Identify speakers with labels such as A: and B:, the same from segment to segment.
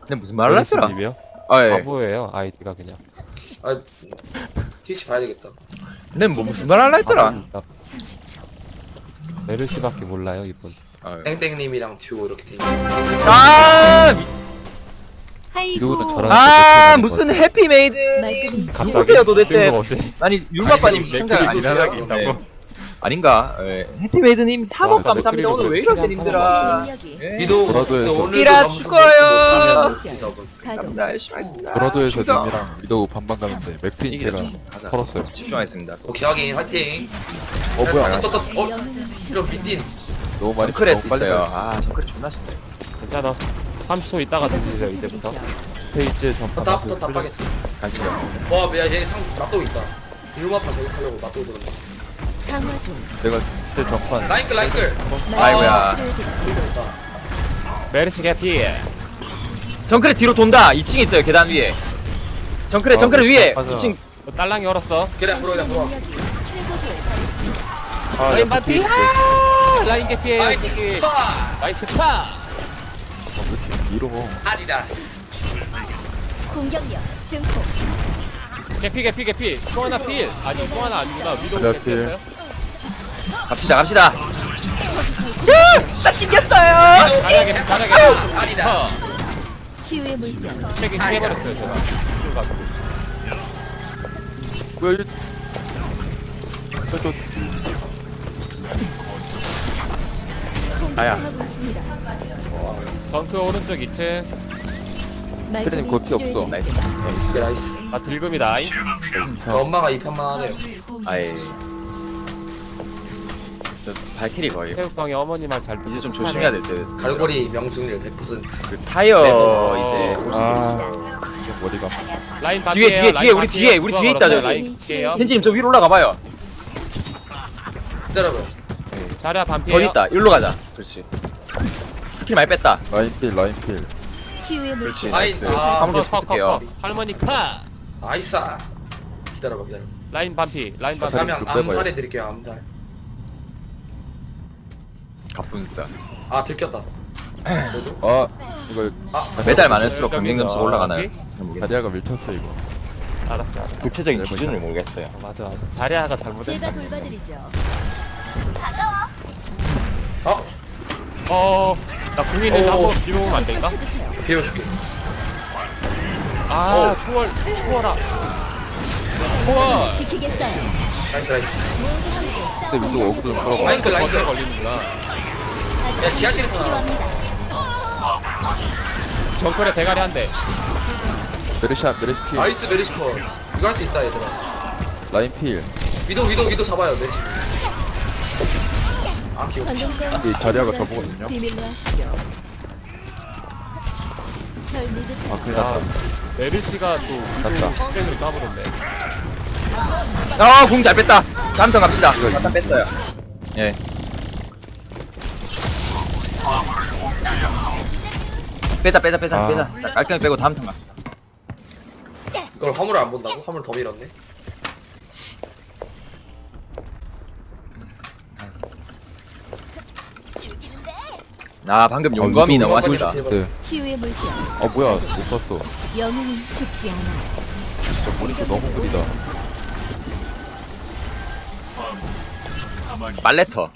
A: 근데 무슨 말을 했더라?
B: 님이요?
A: 아 예.
B: 바보예요 아이디가 그냥.
C: 아 트위치 봐야 되겠다.
A: 근데 뭐 무슨 말을 했더라?
B: 메르시밖에 몰라요 이분.
A: 아, 예.
C: 땡땡님이랑 듀오 이렇게 돼 있는.
A: 아,
D: 이러고는 저랑
A: 아 무슨 해피메이드
B: 갑자기
A: 누구세요 도대체?
B: 뜬금없이.
A: 아니 율마빠님 시청자
B: 맥클이 두
A: 아니라
B: 사람이 있다고?
A: 아닌가? 예. 해피메이드님 3억
B: 와,
A: 감사합니다. 오늘 왜 이러세요 님들아? 예.
C: 미도
D: 브라더에서
C: 오늘도
A: 끼라
C: 점수
A: 죽어요.
C: 못 지석은.
A: 감사합니다. 열심히 하겠습니다.
D: 브라더에서
A: 충성.
D: 님이랑 미도우 반반 가는데 맥크린
A: 이게
D: 제가
A: 가자.
D: 털었어요.
A: 집중하겠습니다.
C: 오케이 확인 화이팅.
D: 뭐야?
C: 떴떴떴. 이런 빈딘.
D: 너무 많이
A: 정크렛
D: 너무 빨리
A: 있어요.
D: 가요.
A: 아 정크렛 존나 신네.
B: 괜찮아. 30초 있다가 드세요 이제부터.
D: 페이지에 전파
C: 떴다 빠겠어.
A: 가시죠.
C: 와, 야 얘네 상 낫도 있다. 일마파 저격하려고 낫도 들었네.
E: 강화 중.
D: 내가 그때 전판
C: 라인끌 라인끌.
A: 아이고야.
C: 들렸다.
B: 메르시 개피.
A: 정크렛 뒤로 돈다. 2층에 있어요. 계단 위에. 정크렛 위에.
D: 맞아.
A: 2층.
B: 딸랑이 얼었어.
C: 그래 앞으로 그래 앞으로.
E: 최고조에 달했습니다.
D: 아,
B: 라인 반피. 아! 라인 개피에요.
C: 라인
B: 저기.
C: 파.
B: 나이스 파.
D: 왜 이렇게 밀어?
C: 아디다스.
E: 공격력 증폭.
B: 개피. 송하나 필. 아니 송하나 아니구나. 위도
D: 내가
B: 개피였어요.
A: 갑시다. 나 찡겼어요.
B: 잘하게.
C: 아디다스.
E: 치유의 물병.
B: 책임 해버렸어요 제가.
D: 뭐야 이? 저
A: 아야.
E: 공격하고 있습니다.
B: 덩크 오른쪽 2층.
D: 테레님 거기 없어.
A: 나이스.
C: 오케이 나이스.
B: 아 들금이다.
C: 저 엄마가 이 편만 하네요.
A: 아예. 저 발키리 거의.
B: 태국방의 어머니 말 잘 듣고
A: 이제 좀 조심해야 될 듯.
C: 갈고리 명승률 100%.
A: 그 타이어
B: 네,
A: 이제
D: 아, 이게 머리가
B: 라인
A: 뒤에,
B: 반피에요.
A: 우리 뒤에 있다, 저기.
B: 라인 뒤에요.
A: 켄지님 좀 위로 올라가 봐요.
C: 기다려봐요.
B: 자리야
A: 거기
B: 반피에요.
A: 있다. 일로 가자. 그렇지. 스킬 많이 뺐다.
D: 라인필.
E: 치유의
A: 그렇지.
E: 물병.
A: 나이스.
C: 아,
A: 화물 계속
B: 컷.
A: 붙을게요.
B: 할머니 카.
C: 나이스. 기다려봐.
B: 라인 반피.
C: 그러면
D: 그 빼봐요.
C: 암살해 드릴게요. 암살.
A: 가뿐싸.
C: 아 들켰다. 너도?
D: 아 이거
A: 매달 많을수록 경쟁
B: 여기서
A: 점수가 올라가나요?
B: 뭐지?
A: 잘 모르겠네.
D: 다리아가 밀쳤어 이거.
B: 알았어.
A: 구체적인 기준을 모르겠어요.
B: 맞아. 자리아가
E: 제가
B: 잘못했다.
E: 돌봐드리죠.
B: 나 궁이는
C: 오.
B: 한번 뒤로 오면 안 될까?
E: 펼쳐주세요.
C: 비워줄게.
B: 아, 초월아. 초월.
E: 지키겠어요.
C: 나이스.
E: 모두 함께
D: 근데
E: 싸우시는
D: 위도 어그로 끌어봐.
C: 라인끌
B: 거기에
C: 라인끌.
B: 걸리는구나.
C: 야 지하실에서 나와.
B: 정글에 대가리 한 대.
D: 메르시 필.
C: 나이스 메리시퍼. 이거 할 수 있다 얘들아.
D: 라인필.
C: 위도 잡아요 메리시. 아 귀여워.
E: 관동권
D: 이 자리아가 저보거든요.
E: 비밀로 하시죠. 절 믿으세요.
D: 아 큰일 났다.
B: 메르시가 또
D: 났다.
B: 프레임을 까버렸네.
A: 공 잘 뺐다. 다음턴 갑시다. 잠깐 뺐어요. 예. 빼자.
D: 아.
A: 자, 깔끔히 빼고 다음 턴 갑시다.
C: 이걸 화물을 안 본다고? 화물 더 밀었네.
A: 아, 방금 용검이 너무 아쉽다.
D: 네.
E: 치유의 물병.
D: 아 뭐야 못 봤어.
E: 영웅은 죽지 않아.
D: 저 모니터 너무 느리다.
A: 빨래터.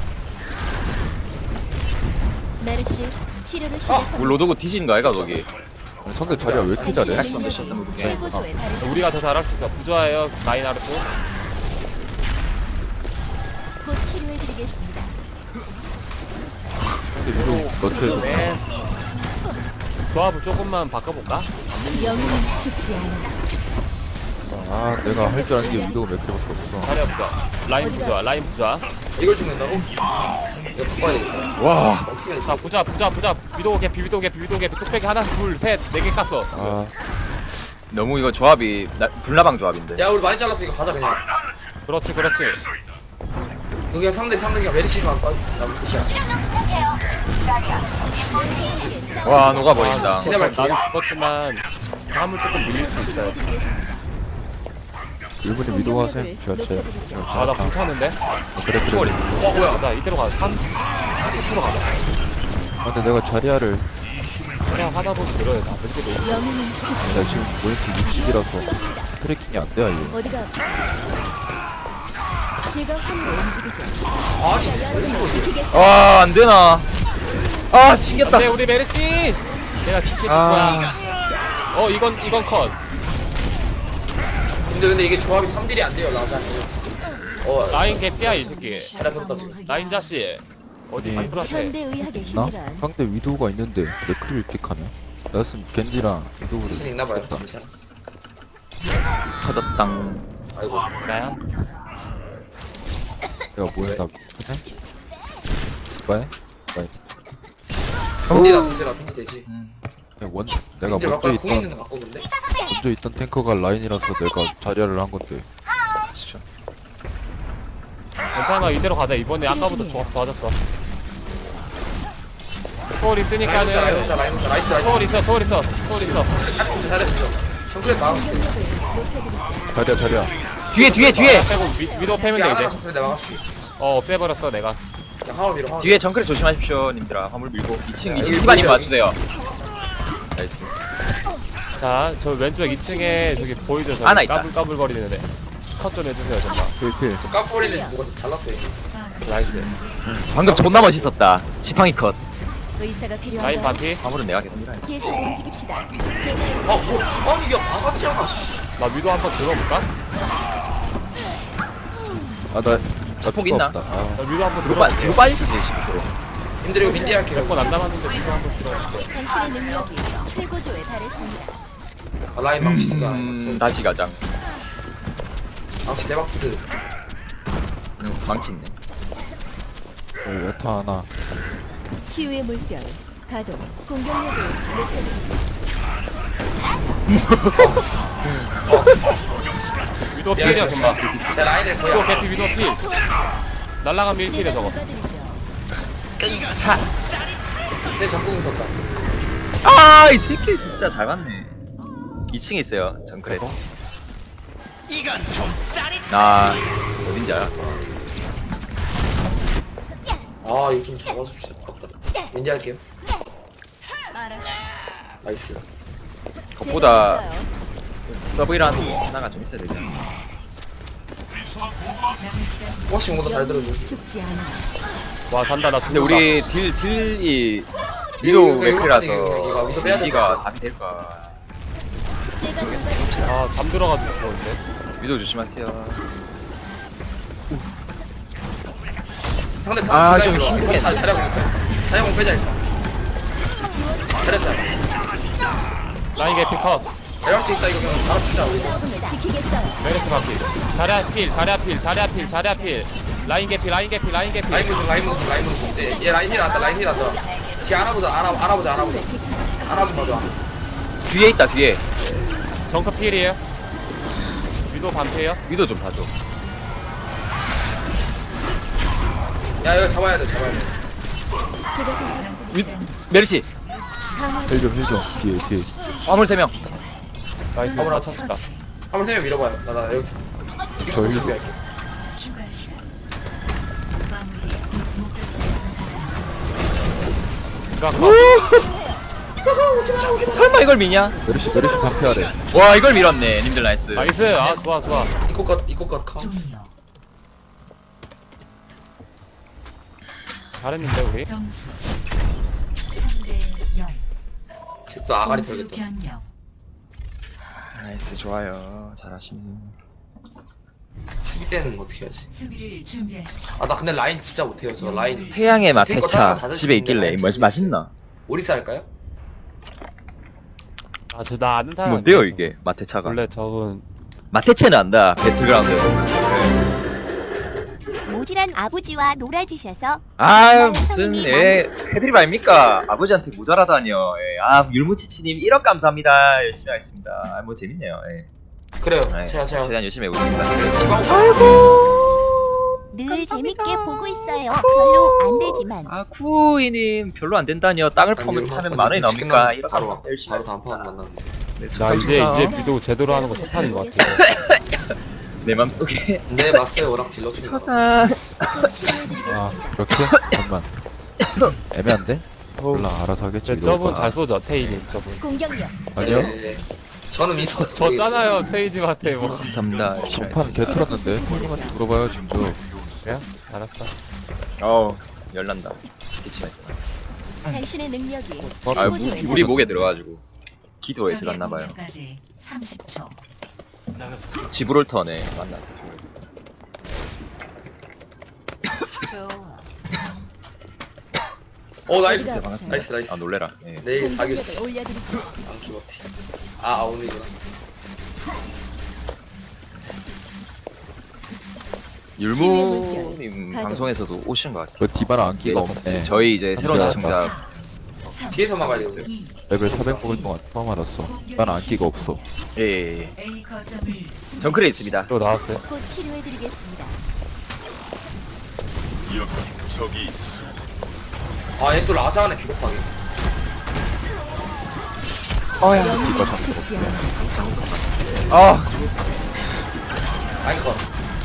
E: 메르시 치료를 시작합니다.
A: 로도고 뒤지는 거 아이가 거기?
D: 아니, 상대 자리아 왜 이렇게 잘해?
E: 최고조에 달했습니다.
B: 우리가 더 잘할 수 있어. 부조화예요. 마이나르트.
E: 곧 치료해드리겠습니다.
D: 근데 위도 너트에서
B: 네. 조합을 조금만 바꿔볼까?
E: 영웅은 죽지 않아.
D: 아 내가 할 줄 아는 게 위도우 맥크리밖에 없어.
B: 자리야 부조화. 라인 부조화.
C: 이걸 죽는다고? 이거 바꿔야겠다.
A: 와.
C: 어떻게 해야
B: 자, 부조화. 위도우 개피. 뚝배기 하나, 둘, 셋, 네 개 깠어.
D: 아
A: 너무 이거 조합이 불나방 조합인데.
C: 야 우리 많이 잘랐어 이거 가자 그냥.
B: 그렇지.
C: 여기 상대 메리시만 빠지. 나 끝이야.
A: 와, 녹아버린다.
C: 쟤네 말
B: 나는
C: 기야.
B: 죽었지만 화물 조금 밀릴 수 있어요.
D: 일본이 위도우 하셈. 제가 제.
B: 아, 나 괜찮은데?
D: 그래.
C: 뭐야?
B: 자, 이대로 가자. 3.
C: 이거 가자.
D: 아 근데 내가 자리아를
B: 그냥 하다 보면 들어요. 다 벤지도.
E: 영웅은 죽지
D: 나 지금 모니터 60이라서 트래킹이 안 돼요 이거.
E: 어디가 제가 함으로 움직이죠.
C: 아니
E: 자, 여러분을 지키겠습니다.
A: 아 안되나. 아 튕겼다.
B: 네 우리 메르시. 내가 지켜줄 거야. 이건 컷.
C: 근데 이게 조합이 3딜이 안 돼요 라자니.
B: 라인 개피야 이 새끼.
C: 잘해줬다 지금.
B: 라인 자씨. 어디
D: 네.
B: 만들었대.
E: 현대의학의
D: 나?
E: 힘이란
D: 상대 위도우가 있는데 맥크리를 픽하네. 나였으면 겐지랑 위도우를
C: 자신 있나봐요.
D: 픽했다.
C: 괜찮아.
A: 터졌당.
C: 아이고.
B: 나야.
D: 내가 뭐야 나 그래? 뭐야?
C: 빈디다 도시라 빈디 되지.
D: 내가
C: 빈디
D: 먼저
C: 아까 궁
D: 있던
C: 있는데 바꾸는데.
D: 먼저 있던 탱커가 라인이라서 내가 자리를 한 건데.
A: 진짜.
B: 괜찮아 이대로 가자. 이번에 아까보다 좋아졌어. 초월 있으니까는.
C: 라인 오자 나이스.
B: 초월 있어.
C: 잘했어. 정크렛 막았어.
D: 자리야.
A: 뒤에
B: 빼고 위도 패면 돼
C: 하나가
B: 이제.
C: 정크렛 내가 막았어.
B: 없애버렸어 내가.
C: 야 하울 밀어.
A: 뒤에 정크를 조심하십시오 님들아. 화물 밀고 2층
C: 여기
A: 티바님
C: 보이죠?
A: 맞추세요. 나이스.
B: 자, 저 왼쪽 2층에 저기 보이죠? 저기
A: 하나 있다.
B: 까불거리는데. 컷 좀 해주세요 정말.
D: 필필.
C: 깜뿌리는 누가 잘랐어요.
B: 나이스.
A: 방금 존나 멋있었다. 지팡이 컷.
E: 의사가
B: 라인
E: 필요한가?
B: 반피.
A: 화물은 내가 계속 밀어야 돼.
E: 계속 움직입시다. 제가
C: 아니 야 막았잖아. 씨.
B: 나 위도 한번 들어볼까?
D: 아나
A: 폭 있나?
B: 나 위도 한번
A: 뒤로
B: 들어볼게.
A: 빠지시지 10%.
C: 님들 이거 빈디 할게요.
B: 몇번 안 남았는데 위도 한번 들어볼게.
E: 당신의 능력이 최고조에 달했습니다.
C: 라인 망치니까.
A: 다시 가장.
C: 망치 대박 투스.
A: 망치 있네.
D: 야타 하나.
E: 치유의 물결 가동. 공격력을 높여드리죠.
B: 위도 필이야 정말.
C: 제 라인을
B: 위도
C: 거의
B: 개피 위도 필. 날라간 밀필이야 저거.
A: 차.
C: 제 적궁 썼다.
A: 아, 이 새끼 진짜 잘 맞네. 2층에 있어요, 정크렛. 나 어딘지 알아?
C: 아 이거 좀 잡아주시죠. 아깝다. 빈디 할게요. 나이스.
A: 그것보다 서브이라는 게 하나가 좀 있어야 되잖아.
C: 혹시 뭔가 잘 들어줘.
E: 죽지 않아.
B: 와 산다 나
A: 근데
B: 죽는다.
A: 우리 딜이
C: 이거,
A: 위도
C: 이거
A: 맥크라서
C: 이거 위도 빼야 될 것
A: 가
C: 같아.
A: 답이 될까?
E: 제가 도와드리죠.
B: 아 잠들어가지고 죽었는데.
A: 위도 조심하세요.
C: 상대
A: 아,
C: 다
A: 좀
C: 잘하고
A: 힘들겠네.
C: 자리공 빼자 일단. 잘했다.
B: 라인 개피 컷.
C: 대략수 있다 이거 그냥 바로 치자 우리.
E: 여러분을 지키겠어요.
B: 메르스 반피. 자리야 필. 라인 개피.
C: 라인 무중. 얘 라인 힐 한다. 뒤 알아보자.
E: 지키.
C: 알아보자 봐줘.
A: 뒤에 있다, 뒤에.
B: 정크 필이에요. 위도 반피에요.
A: 위도 좀 봐줘.
C: 야 이거 잡아야 돼.
E: 제가
A: 위,
E: 보살펴드리죠.
A: 메르시.
E: 강화
D: 힐좀 뒤에.
A: 화물 3명.
B: 나이스
C: 어머나.
B: 맞췄다.
C: 한번 세명 밀어봐요. 나 여기서.
D: 저 힐.
C: 준비할게.
B: 그니까
A: 설마 이걸 미냐?
D: 메르시 반피하래.
A: 와, 이걸 밀었네. 님들 나이스.
B: 나이스. 아 좋아.
C: 이코컷 카운트.
B: 잘했는데 우리.
F: 점수 3대 0.
C: 쟤또 아가리 털겠다.
F: 변경.
A: 나이스, 좋아요. 잘하시네.
C: 수비 때는 어떻게 하지?
F: 수비를 준비하십시오.
C: 아 나 근데 라인 진짜 못해요. 저 라인.
A: 태양의 맛
C: 탱커
A: 회차
C: 다른 거
A: 집에 있길래
C: 다
A: 맛있나?
C: 오리사 할까요?
B: 나 아는 사람.
A: 뭔데요 이게 마테차가?
B: 원래 저분
A: 마테체는 안다. 배틀그라운드.
G: 모질한 아버지와 놀아주셔서
A: 아 무슨 해드립 아닙니까? 아버지한테 모자라다니요. 예. 아 율무치치님 1억 감사합니다. 열심히 하겠습니다. 아, 뭐 재밌네요. 예.
C: 그래요.
A: 예.
C: 제가
A: 최대한 열심히 해보고 있습니다.
C: 지방
G: 늘 재밌게 보고 있어요. 별로 안 되지만
A: 아 쿠이님 별로 안 된다니요. 땅을 파면 만 원이 나옵니까? 1억
C: 바로
A: 감사합니다. 열심히
C: 바로 다음 판
A: 하겠습니다.
C: 만났는데.
B: 나 이제 위도 제대로 하는 거 첫 판인 것 같아.
A: 내 맘속에
C: 내 마스터에 워낙 딜러 중.
A: 찾아.
D: 아 그렇게? 잠깐만. 애매한데? 몰라 알아서 하겠지.
B: 근데 저분
D: 위도우가.
B: 잘 쏘죠 테이님 저분.
E: 공격력.
D: 아니요?
C: 네. 저는 민서
B: 졌잖아요 테이님한테 뭐.
A: 감사합니다. 열심히
D: 전판
A: 하겠습니다.
D: 개 털었는데 형님한테 물어봐요 진짜.
B: 그래요? 알았어.
A: 어우 열난다. 기침할 때.
G: 당신의 능력이
A: 아
G: 최고조에
A: 우리 목에 들어가지고 기도에 들어갔나봐요.
E: 30초.
A: 지브롤턴에 만나서 통했어.
C: 나이스.
G: 어디가
A: 반갑습니다.
C: 나이스 나이스.
A: 아 놀래라. 예.
C: 내일
G: 공격력을
C: 사귀었어.
G: 올려드리죠.
C: 안키버티. 아 오늘이구나.
A: 율무님
G: 가동.
A: 방송에서도 오시는 것 같아요.
D: 그 디바라 안기가 없네.
A: 저희 이제 새로운
D: 맞다.
A: 시청자
C: 뒤에서 막아야 돼.
D: 레벨 400 먹을 동안 처음 알았어. 난 안기가 없어.
A: 예. 정글에 있습니다.
B: 또 나왔어요.
G: 곧 치료해드리겠습니다.
C: 얘 또 라자하네 비겁하게.
G: 영웅은 죽지 않아.
A: 아
C: 라인 컷.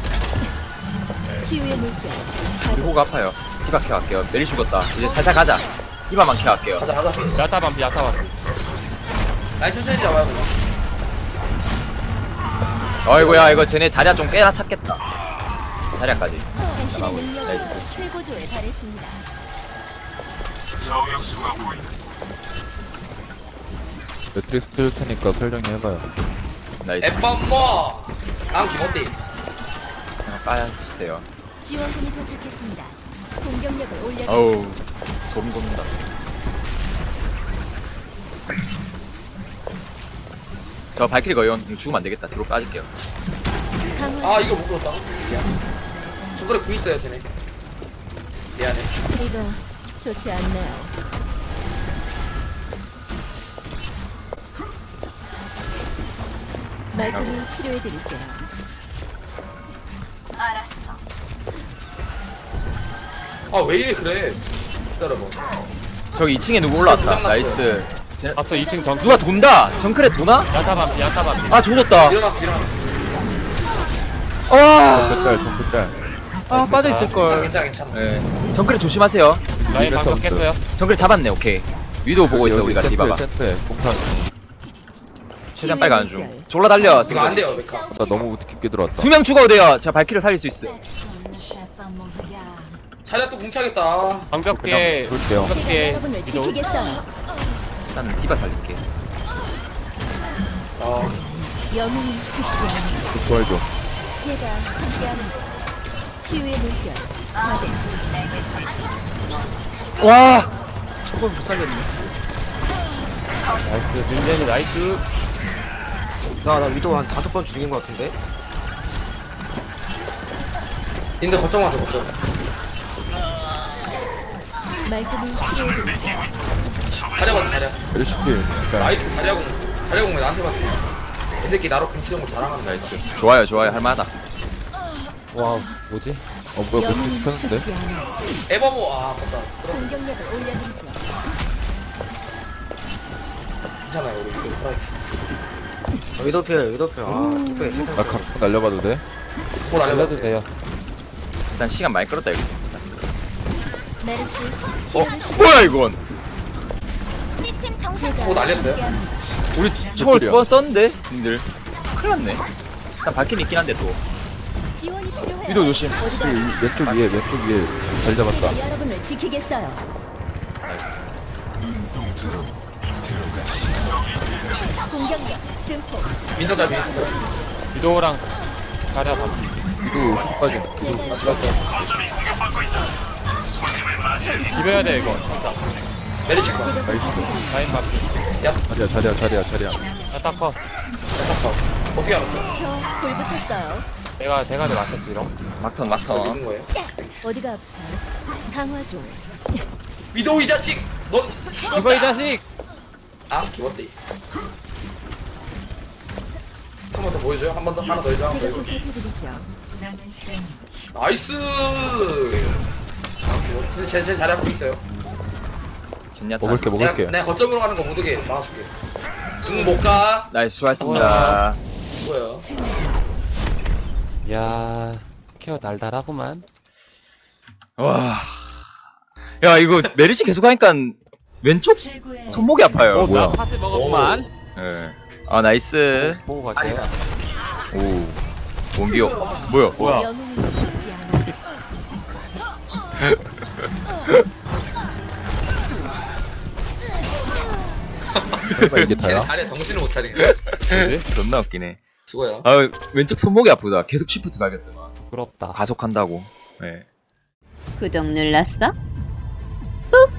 G: 치유의 물결.
A: 우리 호가 아파요. 히바 켜갈게요. 메리 죽었다. 이제 살살 가자. 히바만 켜갈게요.
C: 가자 가자.
B: 야타 반피 야타 반피.
C: 라인 천천히 잡아요 그냥.
A: 어이구야 이거 쟤네 자리야 좀 꽤나 찾겠다. 자리야까지.
G: 당신의 능력이
A: 나이스.
G: 최고조에 달했습니다.
D: 매트리스 켜줄 테니까 설정리 해봐요.
A: 나이스.
C: 에뻔뭐. 안키버티.
A: 그냥 까주세요.
G: 지원군이 도착했습니다. 공격력을 올려드리죠.
A: 어우 소름 돋는다. 저 발키리 거연 죽으면 안 되겠다. 뒤로 빠질게요.
G: 강화.
C: 이거 못 끌었다. 미안. 저번에 구 있어요 쟤네. 미안해.
G: 이거 좋지 않네요. 말끔히 치료해드릴게요.
C: 왜 이래 그래. 기다려봐.
A: 저기 2층에 누구 올라왔다. 나이스. 쟤네-
B: 앞서 2층 정.
A: 누가 돈다. 정크레 도나?
B: 야타 반피 야타 반피.
A: 아 조졌다.
C: 일어났어.
A: 아,
D: 정크짤 정크짤.
A: 아 빠져 있을 걸.
C: 괜찮아.
A: 네. 정크레 조심하세요.
B: 라인
D: 이겼어,
B: 방금 깼어요.
A: 정크레 잡았네. 오케이. 위도 보고 있어 우리가 디바가.
D: 센터에 공탄.
A: 최대한 빨리 가는 중. 졸라 달려.
C: 이거 안 돼요 메카.
D: 나 너무 깊게 들어왔다.
A: 2명 죽어도 돼요. 제가 발키리 살릴 수 있어.
C: 자리야 또 궁차겠다.
B: 방벽 뒤에
D: 볼게요.
B: 방벽
G: 제가
B: 뒤에
G: 여러분을
B: 위도.
G: 지키겠어요.
A: 일단 디바 살릴게.
G: 영웅은 죽지 않아.
D: 부활 좀.
G: 제가 함께합니다. 치유의 물결. 가동.
A: 와. 저걸 못 살렸네.
B: 나이스 민재이 나이스.
F: 나 위도 한 5번 죽인 것 같은데?
C: 근데 거점 와서 거점.
G: 말끔히 치료해드릴게요.
C: 자리야 봐도 자리야.
D: LCP.
C: 나이스 자리야공. 자리야공 왜 나한테 봤어? 이 새끼 나로 궁치는 거 잘하는다.
A: 나이스. 좋아요 좋아요 할만하다.
B: 와 뭐지?
D: 뭐야
G: 영웅은
D: 매트리스 켰는데?
G: 죽지 않아.
C: 에버모 맞다. 그럼
G: 공격력을 올려드리죠.
C: 괜찮아요 우리 이거 살아있어.
F: 위도필 뚝배기 세상
D: 나 각각 날려봐도 돼?
C: 뭐 날려봐.
B: 알려도 돼요.
A: 일단 시간 많이 끌었다 이거.
G: 메르시
A: 어
G: 치료를 시
A: 뭐야 이건?
G: 제가
C: 뭐 날렸어요?
G: 함께합니다.
A: 우리 초월 2번 썼는데 님들. 큰일 났네. 일단 발키리 있긴 한데 또.
G: 지원이 필요해요.
A: 위도 조심.
G: 어디가
D: 왼쪽 위에 자리 잡았다.
G: 여러분을 지키겠어요.
A: 나이스.
G: 공격력 증폭.
C: 민서 잘 민서.
B: 위도랑 자리야 반피.
D: 이도 훅 빠진.
G: 제가
C: 죽었어.
B: 비벼야 돼 이거. 진짜.
C: 메리시 거.
D: 나이스.
B: 라인 반피.
D: 자리야.
B: 야타 커.
C: 어떻게 알았어?
G: 저불 붙었어요.
B: 내가 대가리 맞췄지 이런.
A: 막턴
C: 저
A: 막턴.
C: 믿은 거예요?
G: 어디가 아프세요? 강화 중.
C: 위도우 이 자식! 넌
B: 죽어 이 자식.
C: 기웠대. 한 번 더 보여줘요? 한 번 더? 하나 더 해줘? 하나 더
G: 제가
C: 해줘?
G: 보살펴드리죠.
C: 나이스! 기웠대. 쟤 잘하고 있어요.
A: 젠야타.
D: 먹을게.
C: 내가 거점으로 가는 거 못 오게 막아줄게. 못 가.
A: 나이스 수고하셨습니다.
C: 뭐야?
B: 야 케어 달달하구만.
A: 와. 야 이거 메르시 계속 하니까 왼쪽 손목이 아파요.
B: 나
A: 뭐야?
B: 파트 먹었구만.
A: 예. 아 나이스.
B: 보고
C: 아니
B: 갈게요.
A: 오. 원기요. 뭐야?
B: 뭐야?
G: 영웅은 죽지 않아.
D: 설마 이게 다야?
C: 자리에 정신을 못 차리네.
B: 뭐지?
A: 존나 웃기네.
C: 수고요.
A: 아 왼쪽 손목이 아프다. 계속 쉬프트 밟았더만.
B: 부끄럽다.
A: 가속한다고. 예.
H: 구독 눌렀어? 꾹!